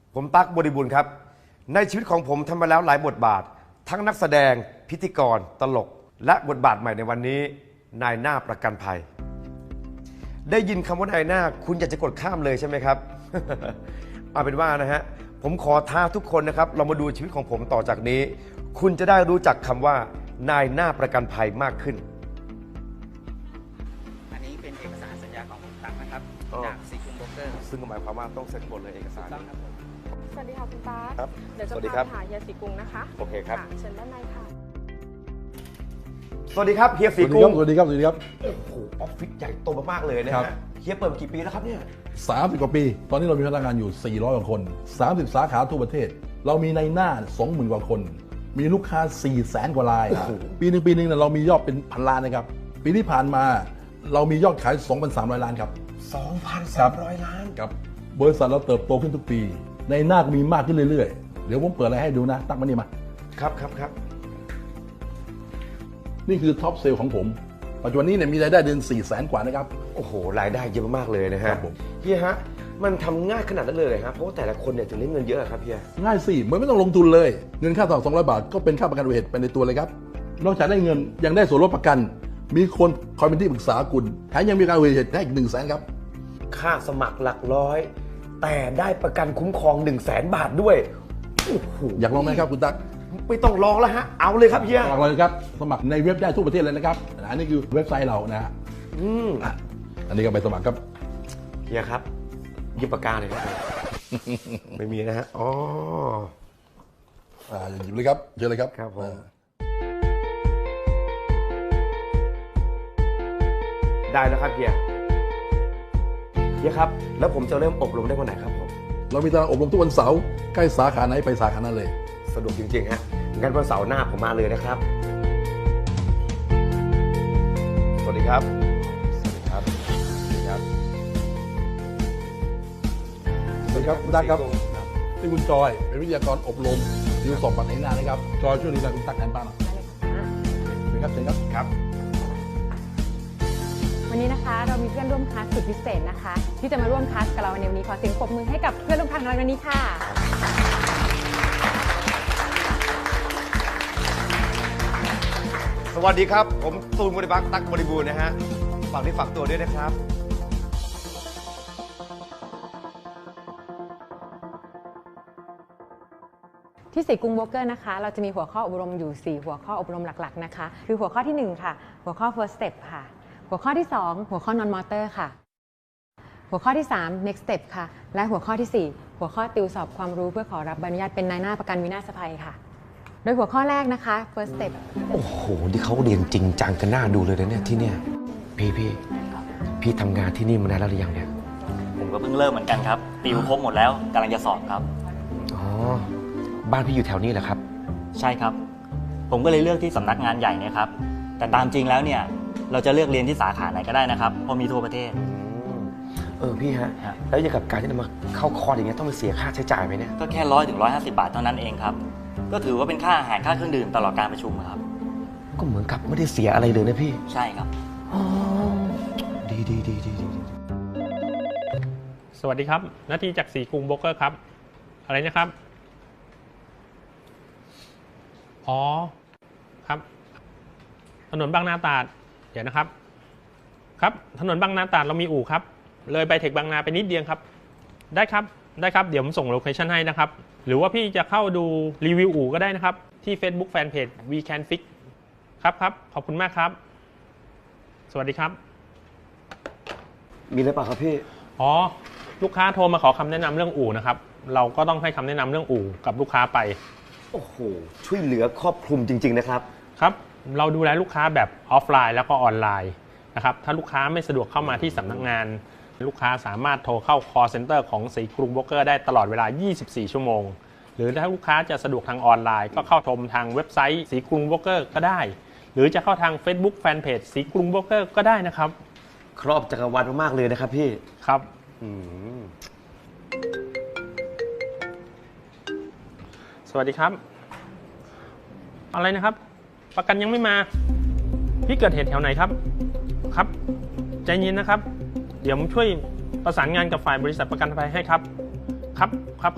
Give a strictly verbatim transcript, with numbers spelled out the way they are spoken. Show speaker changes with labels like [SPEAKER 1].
[SPEAKER 1] ผมตั๊กบริบูรณ์ครับในชีวิตของผมทำมาแล้วหลายบทบาททั้งนักแสดงพิธีกรตลกและบทบาทใหม่ในวันนี้นายหน้าประกันภัยได้ยินคำว่านายหน้าคุณอยากจะกดข้ามเลยใช่ไหมครับ เอาเป็นว่านะฮะผมขอท้าทุกคนนะครับเรามาดูชีวิตของผมต่อจากนี้ คุณจะได้รู้จักคำว่านายหน้าประกันภัยมากขึ้น
[SPEAKER 2] อันนี้เป็นเอกสารสัญญาของคุณตั๊กนะครับจากซีคุมโบรกเกอร์
[SPEAKER 1] ซึ่งหมายความว่าต้องเซ็นหมดเลยเอกสาร
[SPEAKER 2] ต้องครับผม
[SPEAKER 3] สวัสดีค่ะคุณตา
[SPEAKER 1] ครับ
[SPEAKER 3] เดี๋ยวจะ
[SPEAKER 1] สวัสดีค
[SPEAKER 3] พา
[SPEAKER 1] รับ
[SPEAKER 3] ไปหาเฮียสีกรุงนะคะ
[SPEAKER 1] โอเคครับ
[SPEAKER 3] เชิญด้านในค่ะ
[SPEAKER 1] สวัสดีครับเฮียสีกรุง
[SPEAKER 4] สวัสดีครับสวัสดีครับ
[SPEAKER 1] โอ้โหออฟฟิศใหญ่โตมากๆเลยนะ
[SPEAKER 4] ครั
[SPEAKER 1] ฮะ
[SPEAKER 4] บ
[SPEAKER 1] เฮียเปิดมากี่ปีแล้วครับเนี่ย
[SPEAKER 4] สามสิบกว่าปี ตอนนี้เรามีพนักงานอยู่สี่ร้อยกว่าคนสามสิบสาขาทั่วประเทศ เรามีในหน้า สองหมื่น กว่าคน มีลูกค้า สี่แสน กว่าราย ปีหนึ่งปีหนึ่งเนี่ยเรามียอดเป็นพันล้านนะครับ ปีที่ผ่านมาเรามียอดขาย สองพันสามร้อย ล้านครับ
[SPEAKER 1] สองพันสามร้อย ล้าน
[SPEAKER 4] ครับบริษัทเราเติบโตขึ้นทุกปี ในหน้าก็มีมากขึ้นเรื่อยๆ เดี๋ยวผมเปิดอะไรให้ดูนะ ตั้งมานี่มา
[SPEAKER 1] ครับครับครับ
[SPEAKER 4] นี่คือท็อปเซลล์ของผม ปัจจุบันนี้เนี่ยมีรายได้เดือนสี่แสนกว่านะครับ
[SPEAKER 1] โอ้โหรายได้เยอะมากๆเลยนะฮะ
[SPEAKER 4] ครับผม
[SPEAKER 1] เฮียฮะมันทำง่ายขนาดนั้นเลยฮะเพราะว่าแต่ละคนเนี่ยถึงได้เงินเยอะครับเฮีย
[SPEAKER 4] ง่ายสิเหมือนไม่ต้องลงทุนเลย เงินค่าต่อสองร้อยบาทก็เป็นค่าประกันอุบัติเหตุไปในตัวเลยครับนอกจากได้เงินยังได้ส่วนลดประกัน มีคนคอยเป็นที่ปรึกษาคุณแถมยังมีการอุบัติเหตุได้อีกหนึ่งแสนครับ
[SPEAKER 1] ค่าสมัครหลักร้อย แต่ได้ประกันคุ้มครอง1นึ่งแสนบาทด้วยโอ้โห
[SPEAKER 4] อยากลองไหมครับคุณตั๊ก
[SPEAKER 1] ไม่ต้องลองแล้วฮะเอาเลยครับเฮีย
[SPEAKER 4] ลองเลยครับสมัครในเว็บได้ทั่วประเทศเลยนะครับอันนี้คือเว็บไซต์เรานะฮะ
[SPEAKER 1] อืม
[SPEAKER 4] อ่ะอันนี้ก็ไปสมัครครับ
[SPEAKER 1] เฮียครับหยิบปากกาเลยครับ ไม่มีนะฮะอ๋อ
[SPEAKER 4] อ่าหยิบเลยครับเชิญเลยครับ
[SPEAKER 1] ครับผม
[SPEAKER 4] อ่า
[SPEAKER 1] ได้แล้วครับเฮียเฮียครับแล้วผมจะเริ่มอบรมได้วันไหนครับผม
[SPEAKER 4] เรามีตารางอบรมทุกวันเสาร์ใกล้สาขาไหนไปสาขานั้นเลย
[SPEAKER 1] สะดวกจริงๆฮะงั้นวันเสาร์หน้าผมมาเลยนะครับ สวัสดีครับ สวัสดีครับ สวัสดีครับ
[SPEAKER 4] สวัสดีครับคุณตั๊กครับนี่คุณจอยเป็นวิทยากรอบรมดิวสอบปัตในหน้านะครับจอยช่วยดูแลคุณตั๊กแทนป้าหน่อยเชิญครับเชิญครับครับ
[SPEAKER 5] วันนี้นะคะเรามีเพื่อนร่วมคลาสสุดพิเศษนะคะ ที่จะมาร่วมคลาสกับเราในวันนี้ขอเสียงปรบมือให้กับเพื่อนร่วมคลาสของเราในวันนี้ค่ะ
[SPEAKER 1] สวัสดีครับ ผมตูนบริบักตั๊กบริบูรณ์นะฮะฝากที่ฝากตัวด้วยนะครับ
[SPEAKER 5] ที่สีกรุงโบรกเกอร์นะคะเราจะมีหัวข้ออบรมอยู่สี่หัวข้ออบรมหลักๆนะคะคือหัวข้อที่หนึ่งค่ะหัวข้อ first step ค่ะหัวข้อที่สองหัวข้อ non motor ค่ะหัวข้อที่สาม next step ค่ะและหัวข้อที่สี่หัวข้อติวสอบความรู้เพื่อขอรับใบอนุญาตเป็นนายหน้าประกันวินาศภัยค่ะโดยหัวข้อแรกนะคะ first step
[SPEAKER 1] โอ้โหที่เขาเรียนจริงจังกันหน้าดูเลยนะเนี่ยที่เนี่ยพี่พี่พี่ทำงานที่นี่มานานแล้วหรือยังเนี่ย
[SPEAKER 2] ผมก็เพิ่งเริ่มเหมือนกันครับติวครบหมดแล้วกำลังจะสอบครับ
[SPEAKER 1] อ๋อบ้านพี่อยู่แถวนี้เหรอครับ
[SPEAKER 2] ใช่ครับ ผมก็เลยเลือกที่สำนักงานใหญ่เนี่ยครับแต่ตามจริงแล้วเนี่ยเราจะเลือกเรียนที่สาขาไหนก็ได้นะครับเพราะมีทั่วประเทศ
[SPEAKER 1] เออพี่ฮะ
[SPEAKER 2] ครับ
[SPEAKER 1] แล้วอย่างกับการที่จะมาเข้าคอร์สอย่างเงี้ยต้องไปเสียค่าใช้จ่ายไหมเนี่ย
[SPEAKER 2] ก็แค่ร้อยถึงร้อยห้าสิบบาทเท่านั้นเองครับก็ถือว่าเป็นค่าอาหารค่าเครื่องดื่มตลอดการประชุมครับ
[SPEAKER 1] ก็เหมือนกับไม่ได้เสียอะไรเลยนะพี่
[SPEAKER 2] ใช่ครับ
[SPEAKER 1] อ๋อดีดีดีดีดี
[SPEAKER 6] สวัสดีครับนาทีจากสีกรุงโบรกเกอร์ครับอะไรนะครับ อ๋อครับถนนบางนาตราดเดี๋ยวนะครับครับถนนบางนาตราดเรามีอู่ครับเลยไปเทคบางนาไปนิดเดียวครับได้ครับได้ครับเดี๋ยวผมส่งโลเคชั่นให้นะครับหรือว่าพี่จะเข้าดูรีวิวอู่ก็ได้นะครับที่ Facebook Fanpage We Can Fix ครับครับขอบคุณมากครับสวัสดีครับ
[SPEAKER 1] มีอะไรเปล่าครับพี่
[SPEAKER 6] อ๋อลูกค้าโทรมาขอคำแนะนำเรื่องอู่นะครับเราก็ต้องให้คำแนะนำเรื่องอู่กับลูกค้าไป
[SPEAKER 1] โอ้โหช่วยเหลือครอบคลุมจริงๆนะครับ
[SPEAKER 6] ครับเราดูแลลูกค้าแบบออฟไลน์แล้วก็ออนไลน์นะครับถ้าลูกค้าไม่สะดวกเข้ามาที่สำนักงานลูกค้าสามารถโทรเข้า call center ของสีกรุงโบรกเกอร์ได้ตลอดเวลา ยี่สิบสี่ ชั่วโมงหรือถ้าลูกค้าจะสะดวกทางออนไลน์ก็เข้าชมทางเว็บไซต์สีกรุงโบรกเกอร์ก็ได้หรือจะเข้าทาง Facebook Fanpage สีกรุงโบรกเกอร์ก็ได้นะครับ
[SPEAKER 1] ครอบจักรวาลมากๆเลยนะครับพี่
[SPEAKER 6] ครับ
[SPEAKER 1] อืม
[SPEAKER 6] สวัสดีครับอะไรนะครับประกันยังไม่มาพี่เกิดเหตุแถวไหนครับครับใจเย็นนะครับเดี๋ยวผมช่วยประสานงานกับฝ่ายบริษัทประกันภัยให้ครับครับครับ